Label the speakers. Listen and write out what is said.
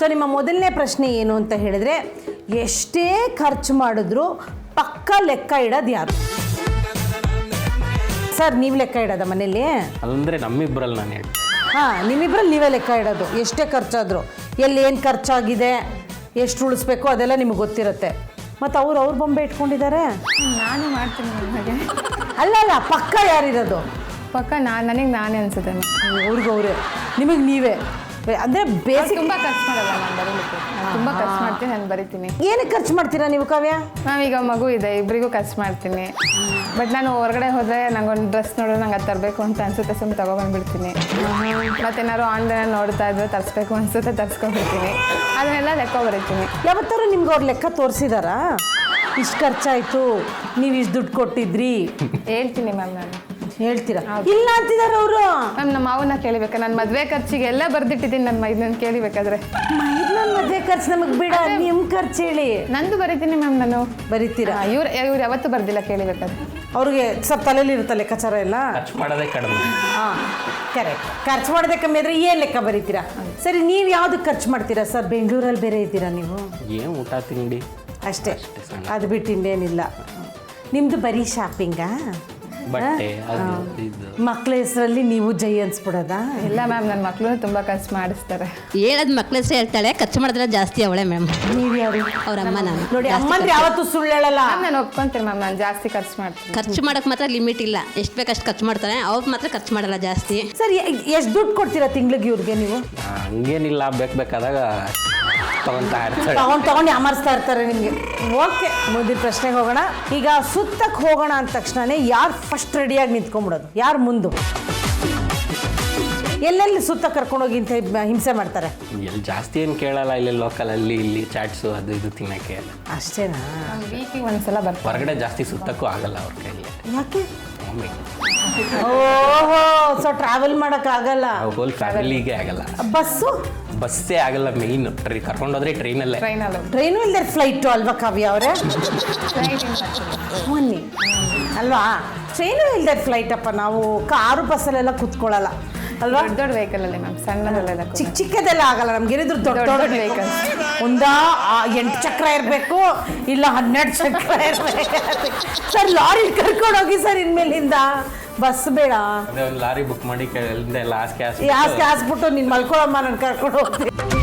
Speaker 1: So ನಿಮ್ಮ ಮೊದಲನೇ ಪ್ರಶ್ನೆ ಏನು ಅಂತ ಹೇಳಿದ್ರೆ, ಎಷ್ಟೇ ಖರ್ಚು ಮಾಡಿದ್ರು ಪಕ್ಕ ಲೆಕ್ಕ ಇಡೋದು ಯಾರು? ಸರ್ ನೀವು ಲೆಕ್ಕ ಇಡೋದ ಮನೇಲಿ?
Speaker 2: ಅಂದರೆ ನಮ್ಮಿಬ್ಬರಲ್ಲಿ ನಾನು ಹೇಳಿ.
Speaker 1: ಹಾಂ, ನಿಮ್ಮಿಬ್ಬರಲ್ಲಿ ನೀವೇ ಲೆಕ್ಕ ಇಡೋದು. ಎಷ್ಟೇ ಖರ್ಚಾದರೂ ಎಲ್ಲಿ ಏನು ಖರ್ಚಾಗಿದೆ, ಎಷ್ಟು ಉಳಿಸ್ಬೇಕು ಅದೆಲ್ಲ ನಿಮಗೆ ಗೊತ್ತಿರುತ್ತೆ. ಮತ್ತು ಅವ್ರ ಬೊಂಬೆ ಇಟ್ಕೊಂಡಿದ್ದಾರೆ.
Speaker 3: ನಾನು ಮಾಡ್ತೀನಿ ಹಾಗೆ.
Speaker 1: ಅಲ್ಲ ಪಕ್ಕ ಯಾರಿರೋದು?
Speaker 3: ಪಕ್ಕ ನನಗೆ ನಾನೇ ಅನ್ಸುತ್ತೆ
Speaker 1: ಅವ್ರಿಗೆ ನಿಮಗೆ ನೀವೇ ಅಂದರೆ ಬೇಸಿಕ್.
Speaker 3: ತುಂಬ ಖರ್ಚು ಮಾಡಲ್ಲ ನಾನು ಬರೀಲಿಕ್ಕೆ. ತುಂಬ ಖರ್ಚು ಮಾಡ್ತೀನಿ, ನಾನು ಬರಿತೀನಿ.
Speaker 1: ಏನಕ್ಕೆ ಖರ್ಚು ಮಾಡ್ತೀರಾ ನೀವು ಕಾವ್ಯ?
Speaker 3: ಮ್ಯಾಮ್ ಈಗ ಮಗು ಇದೆ, ಇಬ್ಬರಿಗೂ ಖರ್ಚು ಮಾಡ್ತೀನಿ. ಬಟ್ ನಾನು ಹೊರಗಡೆ ಹೋದರೆ ನಂಗೊಂದು ಡ್ರೆಸ್ ನೋಡಿದ್ರೆ ನಂಗೆ ಅದು ತರಬೇಕು ಅಂತ ಅನ್ಸುತ್ತೆ, ಸುಮ್ಮನೆ ತೊಗೊಬಂದ್ಬಿಡ್ತೀನಿ. ಮತ್ತೇನಾದ್ರು ಆನ್ಲೈನ್ ನೋಡ್ತಾ ಇದ್ರೆ ತರಿಸ್ಬೇಕು ಅನ್ಸುತ್ತೆ, ತರಿಸ್ಕೊಂಡ್ಬಿಡ್ತೀನಿ. ಅದನ್ನೆಲ್ಲ ಲೆಕ್ಕ ಬರೀತೀನಿ.
Speaker 1: ಯಾವತ್ತಾರು ನಿಮ್ಗೆ ಅವ್ರ ಲೆಕ್ಕ ತೋರಿಸಿದಾರಾ? ಇಷ್ಟು ಖರ್ಚಾಯಿತು, ನೀವು ಇಷ್ಟು ದುಡ್ಡು ಕೊಟ್ಟಿದ್ರಿ
Speaker 3: ಹೇಳ್ತೀನಿ ಮ್ಯಾಮ್. ನಾನು
Speaker 1: ಹೇಳ್ತೀರಾ? ಇಲ್ಲ ಅಂತಿದ್ದಾರೆ ಅವರು.
Speaker 3: ಮ್ಯಾಮ್ ನಮ್ಮ ಮಾವನ್ನ ಕೇಳಿಬೇಕಾ? ನಾನು ಮದುವೆ ಖರ್ಚಿಗೆ ಎಲ್ಲ ಬರ್ದಿಟ್ಟಿದ್ದೀನಿ. ನನ್ನ ಇದನ್ನು ಕೇಳಿಬೇಕಾದ್ರೆ
Speaker 1: ನನ್ನ ಮದುವೆ ಖರ್ಚು ನಮಗೆ ಬಿಡ, ನಿಮ್ಮ ಖರ್ಚು ಹೇಳಿ.
Speaker 3: ನಂದು ಬರೀತೀನಿ ಮ್ಯಾಮ್. ನಾನು
Speaker 1: ಬರೀತೀರಾ?
Speaker 3: ಇವ್ರು ಯಾವತ್ತೂ ಬರ್ದಿಲ್ಲ ಕೇಳಿಬೇಕಾದ್ರೆ.
Speaker 1: ಅವ್ರಿಗೆ ಸ್ವಲ್ಪ ತಲೆಯಲ್ಲಿ ಇರುತ್ತೆ ಲೆಕ್ಕಾಚಾರ ಎಲ್ಲ.
Speaker 2: ಖರ್ಚು ಮಾಡೋದೇ ಕಡಿಮೆ.
Speaker 1: ಹಾಂ ಕರೆಕ್ಟ್. ಖರ್ಚು ಮಾಡೋದೇ ಕಮ್ಮಿ ಆದರೆ ಏನು ಲೆಕ್ಕ ಬರೀತೀರಾ? ಸರಿ, ನೀವು ಯಾವುದಕ್ಕೆ ಖರ್ಚು ಮಾಡ್ತೀರಾ ಸರ್? ಬೆಂಗಳೂರಲ್ಲಿ ಬೇರೆ ಇದ್ದೀರಾ ನೀವು?
Speaker 2: ಏನು ಊಟ ತಿಂಡಿ
Speaker 1: ಅಷ್ಟೇ, ಅದು ಬಿಟ್ಟು ಇನ್ನೇನಿಲ್ಲ. ನಿಮ್ಮದು ಬರೀ ಶಾಪಿಂಗಾ?
Speaker 2: ಬಟ್ಟೆ ಅದು ಇದು.
Speaker 1: ಮಕ್ಕಳ ಹೆಸರಲ್ಲಿ ನೀವು ಜೈ ಅನ್ಸ್ಬಿಡೋದಾ?
Speaker 3: ಇಲ್ಲ ಮ್ಯಾಮ್, ನನ್ನ ಮಕ್ಕಳು ತುಂಬ ಖರ್ಚು ಮಾಡಿಸ್ತಾರೆ.
Speaker 4: ಹೇಳೋದು ಮಕ್ಳ ಹೆಸರು ಹೇಳ್ತಾಳೆ, ಖರ್ಚು ಮಾಡಿದ್ರೆ ಜಾಸ್ತಿ ಅವಳೆ ಮ್ಯಾಮ್.
Speaker 1: ನೀವು ಯಾರು?
Speaker 4: ಅವ್ರ ಅಮ್ಮ. ನಾನು
Speaker 1: ನೋಡಿ, ಅಮ್ಮಂದ್ರೆ ಯಾವತ್ತೂ ಸುಳ್ಳು ಹೇಳಲ್ಲ.
Speaker 3: ನಾನು ಒಪ್ಕೊಂತೀನಿ ಮ್ಯಾಮ್, ನಾನು ಜಾಸ್ತಿ ಖರ್ಚು ಮಾಡ್ತೀನಿ.
Speaker 4: ಖರ್ಚು ಮಾಡೋಕೆ ಮಾತ್ರ ಲಿಮಿಟ್ ಇಲ್ಲ, ಎಷ್ಟು ಬೇಕಷ್ಟು ಖರ್ಚು ಮಾಡ್ತಾರೆ. ಅವ್ರು ಮಾತ್ರ ಖರ್ಚು ಮಾಡಲ್ಲ ಜಾಸ್ತಿ.
Speaker 1: ಸರ್, ಎಷ್ಟು ದುಡ್ಡು ಕೊಡ್ತೀರಾ ತಿಂಗ್ಳಿಗೆ ಇವ್ರಿಗೆ ನೀವು?
Speaker 2: ಹಂಗೇನಿಲ್ಲ, ಬೇಕಾದಾಗ ತಗೊತಾ ಇರ್ತಾರೆ.
Speaker 1: ತಗೊಂಡು ಯಾಮರ್ಸ್ತಾ ಇರ್ತಾರೆ ನಿಮಗೆ. ಓಕೆ, ಮುಂದಿನ ಪ್ರಶ್ನೆಗೆ ಹೋಗೋಣ. ಈಗ ಸುತ್ತಕ್ಕೆ ಹೋಗೋಣ ಅಂದ ತಕ್ಷಣನೇ ಯಾರು ಫಸ್ಟ್ ರೆಡಿಯಾಗಿ ನಿಂತ್ಕೊಂಡ್ಬಿಡೋದು? ಯಾರು ಮುಂದು? ಎಲ್ಲೆಲ್ಲಿ ಸುತ್ತ ಕರ್ಕೊಂಡೋಗಿ ಇಂಥ ಹಿಂಸೆ ಮಾಡ್ತಾರೆ?
Speaker 2: ಎಲ್ಲಿ ಜಾಸ್ತಿ ಏನು ಕೇಳಲ್ಲ, ಇಲ್ಲಿ ಲೋಕಲಲ್ಲಿ ಇಲ್ಲಿ ಚಾಟ್ಸು ಅದು ಇದು ತಿನ್ನೋಕ್ಕೆ.
Speaker 1: ಅಷ್ಟೇನಾ?
Speaker 3: ವೀಕಿಗೆ ಒಂದ್ಸಲ ಬರ್ತೀನಿ.
Speaker 2: ಹೊರಗಡೆ ಜಾಸ್ತಿ ಸುತ್ತಕ್ಕೂ ಆಗಲ್ಲ ಅವ್ರ ಕೈಯಲ್ಲಿ.
Speaker 1: ಯಾಕೆ?
Speaker 2: ಮಮ್ಮಿ
Speaker 1: ಓಹೋ, ಸೊ ಟ್ರಾವೆಲ್ ಮಾಡೋಕ್ಕಾಗಲ್ಲ.
Speaker 2: ಹೋಲ್ ಫ್ಯಾಮಿಲಿಗೆ ಆಗಲ್ಲ. ಬಸ್ಸೇ ಆಗಲ್ಲ. ಮೇಯ್ನು ಕರ್ಕೊಂಡೋದ್ರೆ ಟ್ರೈನಲ್ಲೇ.
Speaker 1: ಟ್ರೈನು ಇಲ್ಲದೆ ಫ್ಲೈಟು ಅಲ್ವಾ ಕಾವ್ಯ ಅವರೇ? ಮೊನ್ನೆ ಅಲ್ವಾ? ಟ್ರೈನು ಇಲ್ಲದೆ ಫ್ಲೈಟ್ ಅಪ್ಪ. ನಾವು ಕಾರು ಬಸ್ಸಲ್ಲೆಲ್ಲ ಕೂತ್ಕೊಳ್ಳಲ್ಲ ಅಲ್ವಾ?
Speaker 3: ದೊಡ್ಡ ವೆಹಿಕಲ್ ಅಲ್ಲಿ ಮ್ಯಾಮ್, ಸಣ್ಣದೆಲ್ಲ
Speaker 1: ಚಿಕ್ಕದೆಲ್ಲ ಆಗಲ್ಲ ನಮ್ಗೆ. ಏನಿದ್ರು ದೊಡ್ಡ ವೆಹಿಕಲ್. ಒಂದಾ 8 ಚಕ್ರ ಇರಬೇಕು, ಇಲ್ಲ 12 ಚಕ್ರ ಇರಬೇಕು. ಸರ್, ಲಾರಿ ಕರ್ಕೊಂಡೋಗಿ ಸರ್ ಇನ್ಮೇಲಿಂದ. ಬಸ್ ಬೇಡ.
Speaker 2: ಒಂದು ಲಾರಿ ಬುಕ್ ಮಾಡಿ ಎಲ್ಲ ಹಾಸ್ಗೆ
Speaker 1: ಹಾಸ್ಬಿಟ್ಟು ನೀನು ಮಲ್ಕೊಳಮ್ಮ, ನಾನು ಕರ್ಕೊಂಡು ಹೋಗ್ತೀನಿ.